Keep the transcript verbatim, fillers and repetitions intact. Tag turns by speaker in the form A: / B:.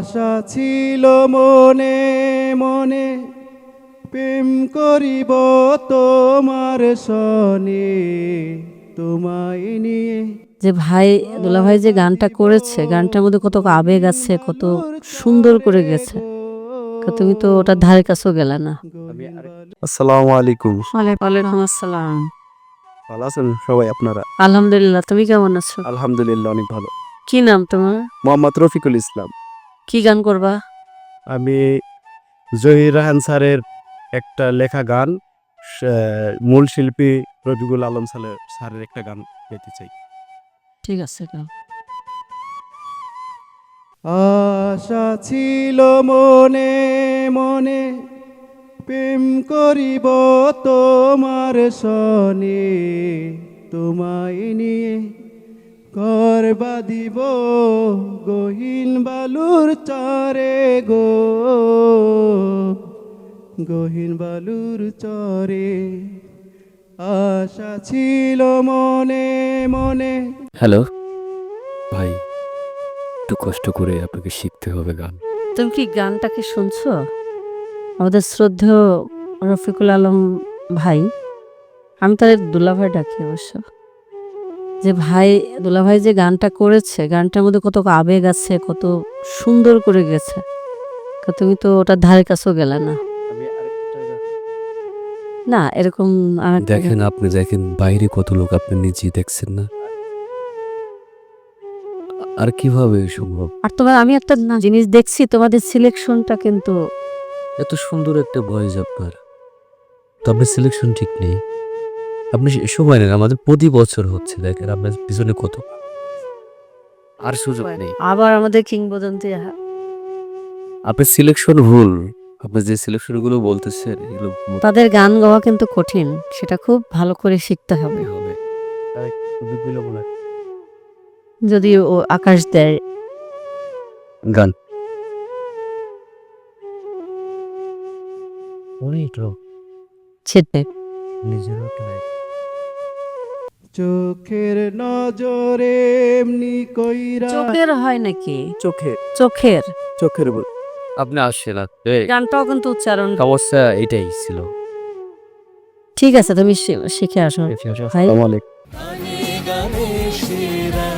A: আশা ছিল মনে মনে প্রেম করিব তোমার সনে তোমায় নিয়ে।
B: যে ভাই দুলা ভাই যে গানটা করেছে, গানটার মধ্যে কত আবেগ আছে, কত সুন্দর করে গেছে। তুমি তো ওটার ধারে কাছেও গেলে না।
C: আসসালামু আলাইকুম।
B: ওয়ালাইকুম আসসালাম।
C: ভালো আছেন সবাই আপনারা?
B: আলহামদুলিল্লাহ, তুমি কেমন আছো?
C: আলহামদুলিল্লাহ অনেক ভালো।
B: কি নাম তোমার?
C: মোহাম্মদ রফিকুল ইসলাম।
B: কি গান করবা?
C: আমি জহির রাহান স্যারের একটা লেখা গান, মূল শিল্পী রফিকুল আলম স্যারের একটা গান গাইতে চাই।
B: ঠিক আছে গাও।
A: আশা ছিল মনে মনে প্রেম করিব তোমার সনে তোমায় নিয়ে। ঘর বাঁধিব গহীন বালুর চরে গো, গহীন বালুর চরে। আশা ছিল মনে মনে।
D: হ্যালো ভাই, একটু কষ্ট করে আপনাকে শিখতে হবে গান।
B: তুমি কি গানটাকে শুনছো? আমাদের শ্রদ্ধেয় রফিকুল আলম ভাই, আমি তার দুলা ভাই ডাকি অবশ্য, যে ভাই দুলা ভাই যে গানটা করেছে, গানটার মধ্যে কত আবেগ আছে, কত সুন্দর করে গেছে। তুমি তো ওটার ধারে কাছেও গেলে না। না এরকম
D: দেখেন, আপনি দেখেন বাইরে কত লোক, আপনি নিজেই দেখছেন না? আর কিভাবে সম্ভব?
B: আর তোমার আমি একটা জিনিস দেখছি, তোমাদের সিলেকশনটা কিন্তু
D: এত সুন্দর একটা ভয়েস আপনার, তো আপনার সিলেকশন ঠিক নেই। আপনি সময় নেন, আমাদের প্রতি বছর হচ্ছে, দেখেন আপনার পিছনে কত, আর সুযোগ নেই।
B: আবার আমাদের কিংবদন্তি।
D: আপনার সিলেকশন ভুল। আপনি যে সিলেকশন গুলো বলতেছেন এগুলো
B: তাদের গান গাওয়া কিন্তু কঠিন, সেটা খুব ভালো করে শিখতে হবে।
D: হবে।
B: যদি ও আকাশ দেয়
D: গান
B: ছেটে
D: নিজের
A: চোখের নজরে এমনি কইরা।
B: চোখের হয় নাকি?
C: চোখে
B: চোখের
C: চোখের বল।
D: আপনি আসছে না,
B: গানটাও কিন্তু উচ্চারণ।
D: সমস্যা এটাই ছিল।
B: ঠিক আছে, তুমি শি- শিখে আসো ভাই।
C: আসসালামু আলাইকুম।